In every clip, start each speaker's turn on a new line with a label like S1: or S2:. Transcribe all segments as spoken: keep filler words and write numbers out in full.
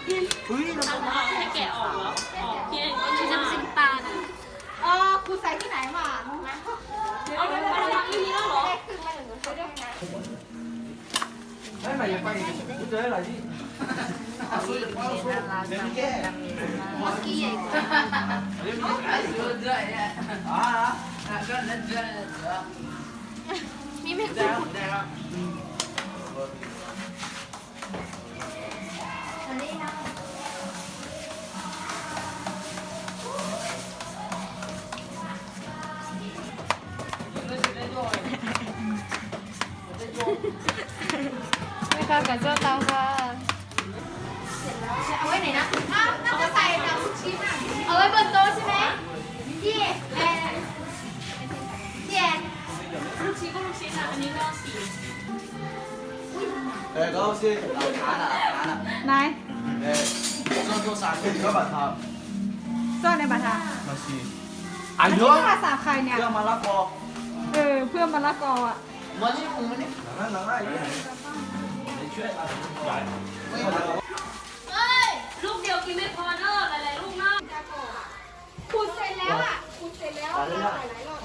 S1: อุ้ยน้ำตาลให้แกะออกเหรอออกพี่เองก็จะซิมตาล
S2: เออครูใส่ที่ไหนมาน้องนะ
S1: เอาไปมาทำที่นี้แล้วเหรอ
S3: ไม่ไม่ยังไปกูเจออะไรที่
S2: มักกี้ใหญ่กว่ามีไหมอันนี้นะ
S4: ไม่ค่ะกับเจ้าเตาค่ะ
S2: เอาไว้ไหนนะอ้าวน่าจะใส่กับลูกชิ้นอ่ะเอาไว้บนโต๊ะใช่ไหมพี่แอนพี่แอน
S1: ลูกชิ้นก็ลูกชิ้นอ่ะอันนี้ก็สี
S3: เออก็是拿了拿了
S4: นาย
S3: เออ上周三天你要把它
S4: ซ่อนในบัตรค่ะ
S3: มาซี
S4: อั
S3: อั
S4: น
S3: น
S4: นี้
S3: เยอะ
S4: ภาษาใครเนี่ย
S3: เรื่องมะละกอ
S4: เออเพื่อนมะละกออ่ะ
S3: มานี่มึงมานี่หลังนั้นหลังนั้นไม่ช่วยอะไรไม่เอา
S1: เอ้ยลูกเดียวกินไม่พอเนอะหลายๆลูกเนอะ
S2: ขูดเสร็จแล้วอ่ะขูดเสร็จแล้วหลายๆรอบ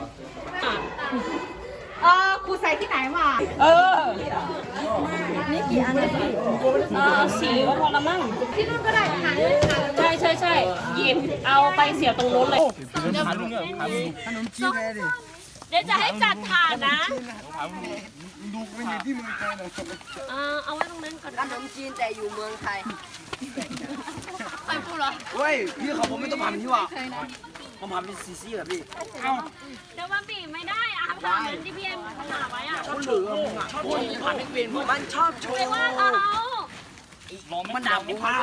S2: เออครูใส่ที่ไหนมา
S4: เออนี่กี่อันเนี่ย
S1: เออสีก็พอละมั้ง
S2: ที่นู่นก็ได้หาเลยหาเลย
S1: ใช่ใช่ใช่หยิบเอาไปเสียบตรงนู้นเลย
S3: ขนมจีนเลยดิ
S1: เดี๋ยวจะให้จัดถาดนะ
S3: ดูไม่มีที่มึงไปเลย
S1: เออเอาไว้ตรงนั้นก่อน
S5: ขนมจีนแต่อยู่เมืองไทย
S1: ไปพูดเหรอ
S3: เฮ้ยพี่เขาผมไม่ต้องผ่านที่ว่าผมผ่านเป็นซีซีเหรอพี่เอ้า
S1: เดี๋ยวมันบีบไม่ได้อะทำเหมือนที่พี่เอ็มหาไว้อะ
S3: เขาเหลือมึงอ่ะชอบผ่านไม่เป็นมันชอบโช
S1: ไม่
S3: ว์
S1: ว่าเขา
S3: มันดับผมว่า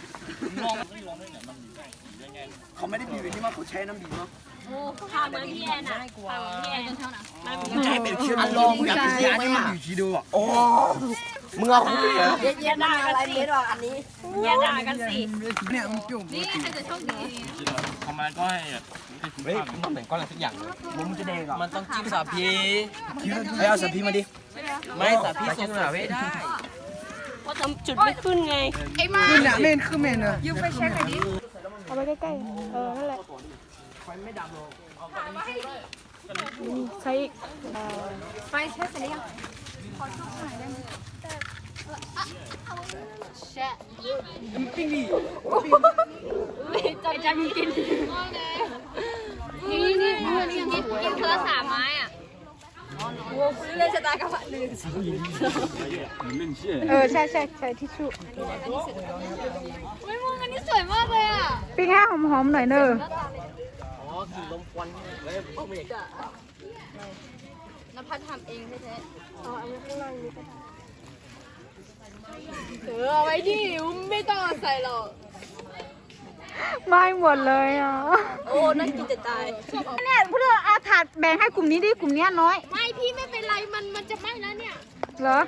S3: เขาไม่ได้บีบที่ว่าเขาใช้น้ำบีบเนาะ
S1: โอ้ทำเหมือนพี่แอนอะทำเหมือนพี่แอนเท่านั้นมัน
S3: มึงใช้เป็นเชื้อลองมึงอยากกินอันนี้มันอยู่ทีเดียวอ่ะโอ้มึงเอาคุณเหรอ
S5: เย็นๆอะไรเม็ดออกอันนี้
S1: อย่าด่ากันสิ
S3: เนี่ยมึงจุ่ม
S2: นี่ใครจะโชคดี
S6: ทำอะไรก็ให้เฮ้ยมันเหมือนก้อนอะไรสักอย่างเลย
S3: มึงจะแดงอ่ะ
S6: มันต้องจิ้มสาพี
S3: เฮ้ยเอาสพีมาดิ
S6: ไม่สาพีสดสาไม่ได้
S1: ว่าทำจุดไม่ขึ้นไง
S2: ไอ้มา
S3: ขึ้นอ่ะเมนขึ้นเมนอ่ะ
S2: ยืมไปเช็คหน่อยดิ
S4: เอาไปใกล้ๆเออนั่นแหละใช้อีก
S2: ไฟเช็คเสร็จหรือยังขอชุบหน่อยได้ไหมแช่
S3: ปิ้งดิ
S1: จะจะมีกินนี่นี่นี่กินกินเธอสามไม้อ่ะ
S5: เล่นชะตากรรมหนึ่ง
S4: เออใช่ใช่ใช้ทิชชู่
S2: ไม่มึงอันนี้สวยมากเลยอ่ะ
S4: ปิ้งให้หอมๆหน่อยเนอะ
S2: นภัสทำเองแท้ๆเอาเอาไว้ข้างล่างนี้ก็ได้เออเอาไว้ดิไม่ต้องใส่หรอก
S4: ไม่หมดเลยอ่ะ
S5: โอ้นั่นกินจะตาย
S4: เนี่ยเพื่อเอาถาดแบ่งให้กลุ่มนี้ดิกลุ่มเนี้ยน้อย
S2: ไม่พี่ไม่เป็นไรมันมันจะไหม้แล้วเนี่ย
S4: เหรอ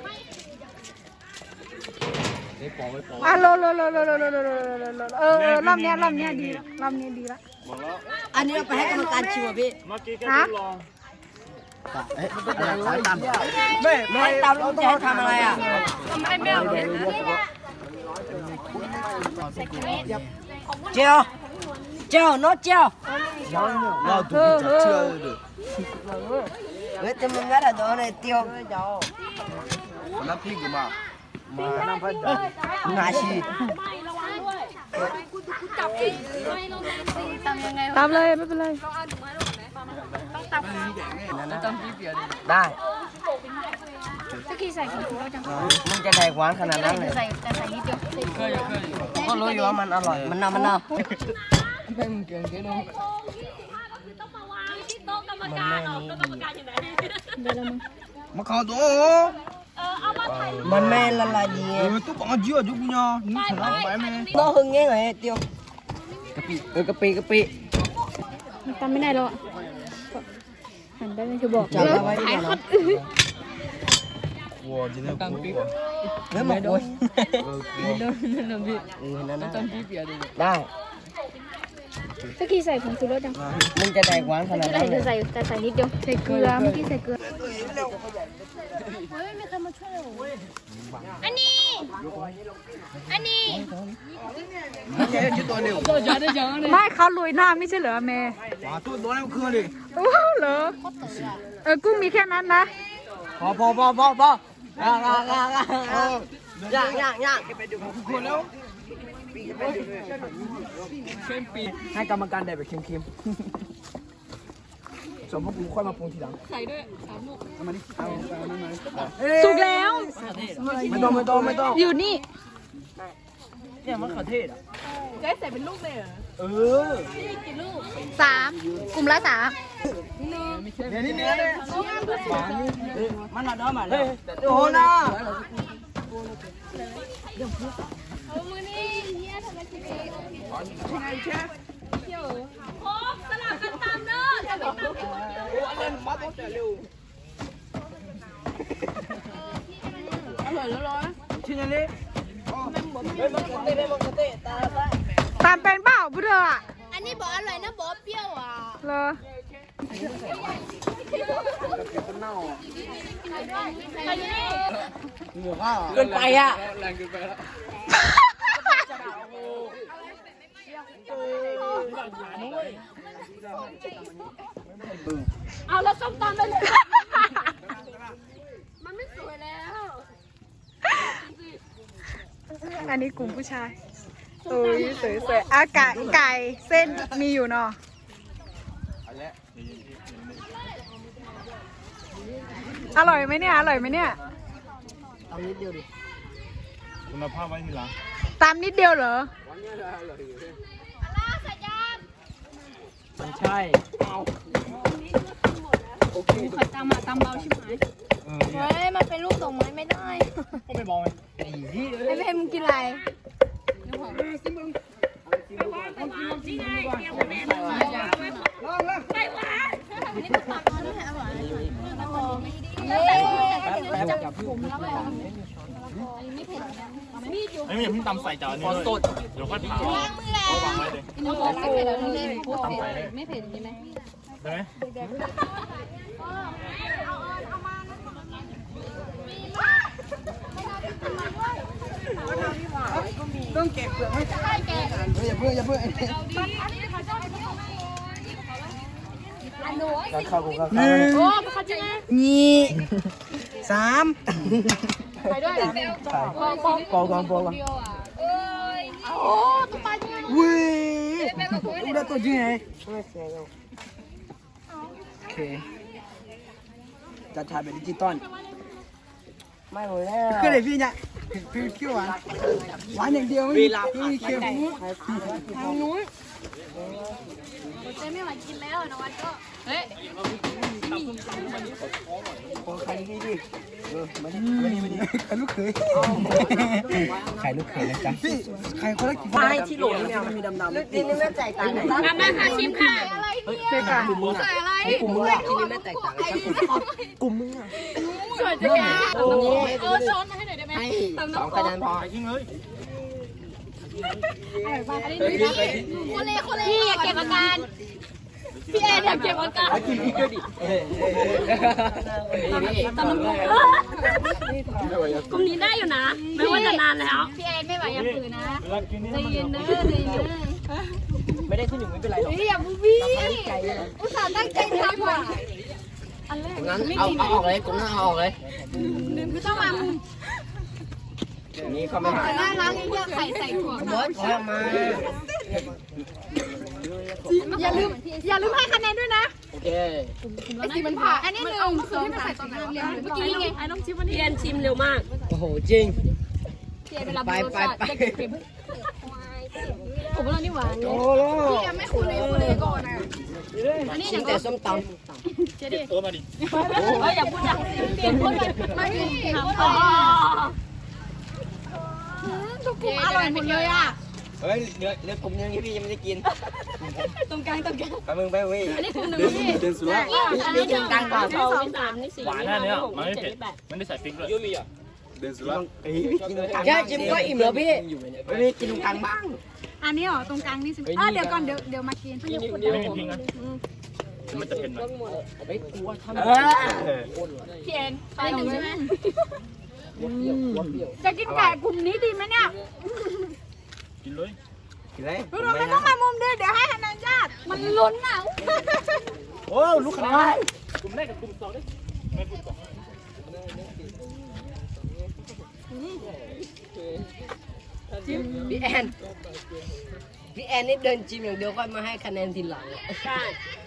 S4: อ่ะโลโลโลโลโลโลโลโลโลโลเออเออรอบเนี้ยรอบเนี้ยดีละรอบเนี้ยดีละ
S5: อันนี้เราไปให้กรรมการชิมอ่ะพี่
S4: ฮะ
S3: เฮ้ยมันต้องอย่างไรตามไม่ไม่
S5: ให้เตาลูกจะให้ทำอะไรอ่ะ
S1: ทำไมไม่เอาเผ็ดนะ
S5: เจียวเจียวโน้ตเจียว
S3: เราดูจะเชื่อเลย
S5: เฮ้ยแต่มึงงั้นอ่ะโดนไอ้เตียว
S3: น้ำพริกมามาน้ำพัดงาชี
S1: ไม่ระวังด้วย
S2: จับเองไม่ลงเลยสิทำยังไง
S4: ตามเลยไม่เป็นไร
S5: ได้
S2: ตะกี้ใส่กี่ตัวจัง
S5: มึงจะแดกหวานขนาดนั้นเลย
S2: ใส่แต่ใส่นิดเดียว
S5: ก็รู้อยู่ว่ามันอร่อยมันน่ามันน่า
S1: โค้งที่สิบห้าก็คือต้องมาวางที่โต๊ะกรรมการเหรอโต๊ะกรรมการอยู่ไหน
S3: มาเข้าตัว
S1: เออเอามาถ่าย
S5: มันไม่ละลายดี
S3: เออตัวปังจืดจุกเนี่ยนี่ขนาดไปไหม
S5: น้องหึงเงี้ยไงเตียวกะปิเออกะปิกะปิ
S4: มันตามไม่ได้หรอกหันได้ไหมคือบอก
S5: จับเอาไว้ดีกว่า
S3: 我今天不过，
S5: เนื้อหมกโวย
S3: 呃，
S5: เออนั่นนะได้
S4: ตะกี้ใส่ผงชูรสจัง
S5: มึงจะแดกหวานขนาด
S4: ใส่
S5: นั้นเลย
S4: ใส่แต่ใส่นิดเดียวใส่เกลือเมื่อกี้ใส่เกลือ
S2: อันนี้ อันนี้
S4: ไม่เขาลุยหน้าไม่ใช่เหรอเมย์
S5: ตัวตัวนั้นคือดิ
S4: โอ้เหรอเออกุ้งมีแค่นั้นนะ
S5: พอพอพอพอพอย่างย่างย่างย่างย่างย่างไปดูคนแล้วเข้มปีให้กรรมการได้แบบเค็มๆสมมติกูค่อยมาปรุงทีหลัง
S1: ใส่ด้วยสามลูก
S5: เอามาดิเอาเอานั่นมา
S4: สุกแล้ว
S5: ไม่ต้องไม่ต้องไม่ต้อง
S4: อยู่นี่
S5: เนี่ยมันขอเทศอ่ะ
S1: จะใส่เป็นลูกเลยเหรอ
S5: เออ
S4: สามกลุ่มละสาม
S5: เดี๋ยวนี้เนื้อเลยมันหนาเนื้อมาเลยโอ้โหนะ
S2: เอามือนี่เฮียทำไมสิเอง
S1: โอ้สลับกันตามเด้อจะไปตามที่คนเดียว
S5: เล่นมาตั้งแต่เร็วอร่อยแล้วร้อนชิ้นนี้เฮ้ยมันกระเตะมันกระเตะตาตา
S4: ตามเป็นเปล่าพุทธอ่ะ
S2: อันนี้บอกอร่อยนะบอกเปรี้ยวอ่ะ
S4: เหรอ
S1: ไปนี่
S5: เกินไปอ่ะ
S6: แรงเกินไปแล้ว
S1: เอาแล้วส้มตำไปเลยมันไม่สวยแล้ว
S4: อันนี้กลุ่มผู้ชายโอ้ยสวยๆอากาศไก่เส้นมีอยู่เนาะอร่อยไหมเนี่ยอร่อยไหมเนี่ย
S5: เอานิดเดียวดิ
S6: คุณภาพไว้ทีหลัง
S4: ตามนิดเดียวเหรอ
S5: มันใช่โอเค
S1: ขัดตำอ่ะตำเบาชิบหาย
S2: เฮ้ยมันเป็นลูกดอกไม้ไม่ได้
S6: ก็ไม่มองเลย
S5: ไอ้ที่
S2: ไอ้เพมมึงกินอะไร
S5: แป๊บอย่าพึ่ง
S6: ไอ้ไม่อย่าเพิ่งตำใส่จานนี้เลยเดี๋ยวค่อยเผาเอาวางไว้เลย ตำใส่เลยไม่เผ็ดใช่ไหมใช่ไหม
S5: ต้องเก็บเปลือกให้อย่าเพิ่งอย่าเพิ่งกันเข้ากูกันเข้า
S1: โอ้เขาจะไง
S5: นี่สาม
S1: ไปด้วยเหรอ
S5: ปองปองปองปองปอง
S1: โอ้ตัวปลายังไง
S5: วิ่งดูได้ตัวจริงไงโอเคจะถ่ายแบบดิจิตอลไม่หมดแล้วคือไหนพี่เนี่ยคือคิวหวานหวานอย่างเดียวไม่มีไม่มีเค็ม
S1: ทางนู้น
S2: เจ๊ไม่ไหวกินแล้วนะวันก็
S1: เฮ้ย
S5: โอ้ใครนี่ดิเออมาดิมาดิมาดิใครลูกเขยใครลูกเขยนะจ๊ะพี่ใครคนละกี่ไม่ที่โหลนี่มันมีดำๆนี่นี่ไม่แตกต่าง
S1: มามาค่ะชิมค่ะ
S4: เจ๊กัน
S5: กลุ่มมึงอ่ะกลุ่มมึงอ่ะที่นี่ไม่แตกต่างกลุ่มมึงอ่ะ
S1: สวยจังเลยเออช้อนมาให้หน่อยได้ไหม
S5: สองคะแนนพอ
S6: ไปทิ้งเลย
S2: โคเล่โคเล่
S1: พี่อย่าเก็บอาการพี่แอนอย่าเก็บอาการ
S5: กินพริกด้วยดิ
S1: ตำน้ำพุกลุ่มนี้ได้อยู่นะ ไม่ว่าจะนานแล้ว
S2: พี่แอนไม่ไหวอย่าฝืนนะ
S6: เวลากินนี่
S2: ใจเย็นเด้อใจเย็นเด้อ
S5: ไม่ได้ที่หนึ่งไม่เป็นไรหรอก
S2: พี่อย่าบูบี้อุตส่าห์ตั้งใจทำว่ะ
S5: งั้นเอาเอาออกเลยกลุ่มนั้นเอาออกเลย
S2: คือต้องมามุม
S5: นี่เขาไม่หา
S2: น่ารักเยอะไข่ใส่ถั่ว
S5: เบิร์ดออกมา
S2: อย่าลืมอย่าลืมให้คะแนนด้วยนะ
S5: โอเค
S2: ไอสีมันผ่าอันนี้หนึ่งเอาคือที่มันใส่ตอนไหนเมื่อกี้ไง
S1: ไอ้น้องชิมวันนี้พี่แอนชิมเร็วมาก
S5: โอ้โหจริง
S2: พี่แอนเวลา
S5: ไปไปไป
S1: ผมว่าเรานี่หวาน
S5: โอ้โห
S2: พี่แอนไม่คุยเลยคุยเลยก่อนอ่ะ
S5: ชิมแต่ส้มต
S6: เออมาดิ
S1: เฮ้ยอย่าพูดอย่างเปลี่ยนคนเลยไม่ทำต่อ
S2: ทุกกลุ่มอร่อยหมดเลยอ่ะ
S5: ำเฮ้ยเนื้อเนื้อกลุ่มยังพี่ยังไม่ได้กิน
S1: ตรงกลางตรงกลาง
S5: ไปมึงไปเว้ย
S1: อันนี้กลุ่มหนึ่งพี่
S5: เดินสุดแล้ว
S1: อันนี้สองอันนี้สองสามนี่สี่
S6: หวานแน่เนี่ยมันไม่เผ็ดมันได้ใส่พริกด้วยยูมีอ่ะเดินสุดแล้ว
S5: แค่ชิมก็อิ่มแล้วพี่ไม่กินตรงกลางบ้าง
S4: อันนี้เหรอตรงกลางนี่สิอ่ะเดี๋ยวก่อนเดี๋ยวเดี๋ยวมากิน
S6: ไม่มีพริกนะมันจะเผ็ดหน่อย
S5: เฮ้ยกูว่าทำ
S6: เออ
S1: พี่แอนไปหนึ่งใช่ไหม
S4: จะกินไก่กลุ่มนี้ดีไหมเนี่ย
S6: กินเลย
S3: กินอะไร
S4: เราไม่ต้องมามุมเดียวเดี๋ยวให้คะแนนญาติมันลุ้นอ่ะ
S3: โอ้ลูกขนาด
S6: กลุ่มแรกกับกลุ่มสองได้ไม่กลุ่มสอง
S5: พี่แอนพี่แอนนี่เดินจิมอย่างเดียวก็มาให้คะแนนทีหลัง
S1: ใช่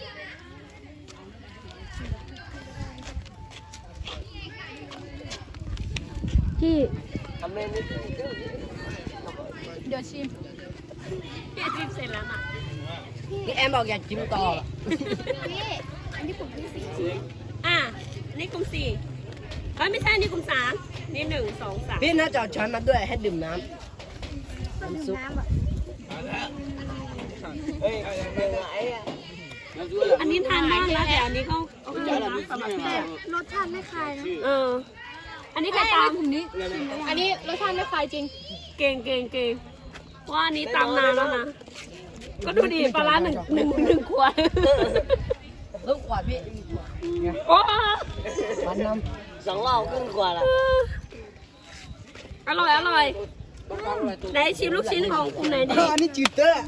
S4: พี่
S5: ทำเล่นนิด
S4: เดี๋ยวชิม
S1: พี่จิ้มเสร็จแล้วน่ะ
S5: พี่แอนบอกอยากจิมต่อ
S2: พี่อันนี้ผมที่สี่
S1: อ่ะนี่กลุ่มสี่เอ้ยไม่ใช่นี่กลุ่มสามนี่หนึ่งสองสาม
S5: พี่น่าจะเอาช้อนมาด้วยให้ดื่มน้ำน้ำซุป
S2: น้ำแบบ
S3: เฮ้ยยังไงอ่ะ
S1: อันนี้ทานบ้างแล้วแต่อันนี้ก็โอเคนะสำหรับพี่
S2: รสชาติไม่คายนะ
S1: เออ อันนี้ใครตาม
S4: อันนี้อันนี้รสชาติไม่คายจริง
S1: เก่งเก่งเก่งว่าอันนี้ตามนานแล้วนะ ก็ดูดิปลาร้าหนึ่งหนึ่งหนึ่งขวด
S5: เพิ่งขวดพี่
S1: โอ้
S5: มันน้ำสองรอบครึ่งขวดละ
S1: อร่อยอร่อยไหนชิมลูกชิ้นของกลุ่มไหนดี
S5: อันนี้จืดเตอร์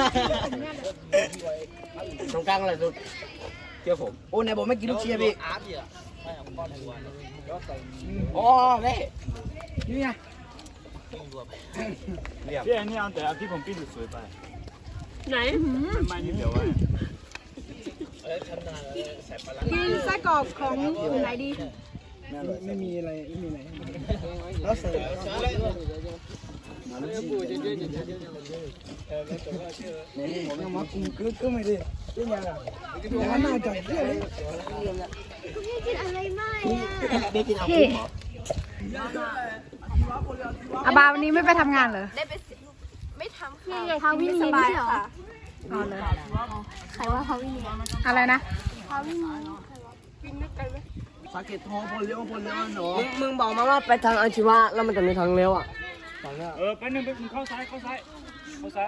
S5: ตรงกลางอะไรสุด
S3: เชื่อผม
S5: โอ้ไหนบอกไม่กินลูกเชียร์พี่โอ้แม่นี่ไง
S6: พี่แอนนี่เอาแต่เอาที่ผมปิ้งสวยๆไป
S1: ไหน
S6: ไม่นิดเดียวไว้
S4: กินไส้กรอกของกลุ่มไหนดี
S5: ไม่มีอะไรไม่มีอะไรแล้วใส่ผมยังมาคุมกึ๊กก็ไม่ได้ยังไงล่ะยังน่าจะเยอะเลย
S2: พี่กินอะไรไม่อะ
S5: เด็กกินเอา
S4: พี่อาบาวันนี้ไม่ไปทำงานเหรอ
S2: ไม่ทำค่ะพาวินีไม่ใช่เหรอ
S4: อ๋อเลย
S2: ใครว่าพาวินี
S4: อะไรนะ
S2: พาวินี
S5: สาเกตทองพลเลี้ยวพลเลี้ยวหนูมึงบอกมาว่าไปทางอาชีวะแล้วมันจะมีทางเลี้ยวอ่ะ
S6: เออไปหนึ่งไปเข้าซ้ายเข้าซ้ายเข้าซ้าย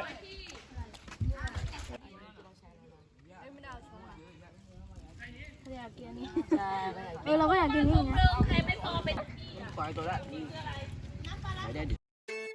S2: เออเราก็อยากกินนี่นะ
S1: ใครไม่พอไป
S5: ปล่อยตัวละไปได้ดิ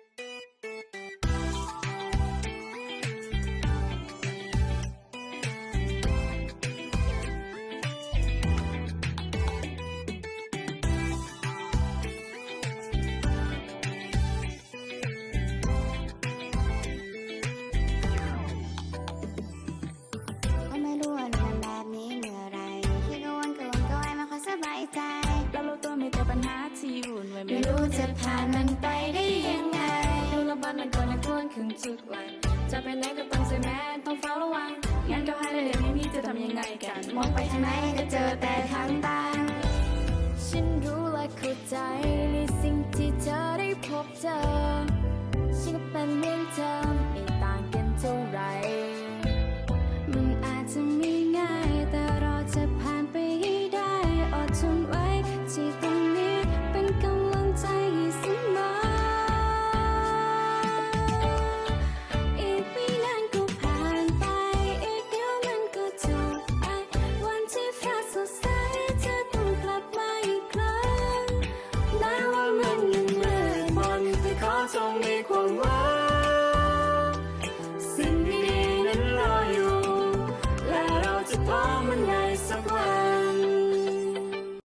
S7: ก็ไม่รู้ว่ามันแบบนี้เมื่อไรคิดกังวลกังวลก็ไว้ไม่ค่อยสบายใจเรารู้ตัวมีแต่ปัญหาที่วุ่นวายไม่รู้จะผ่านมันไปได้ยังไงดูระบาดมันก่อนและกวนขึ้นทุกวันจะไปไหนก็ต้องใส่แมส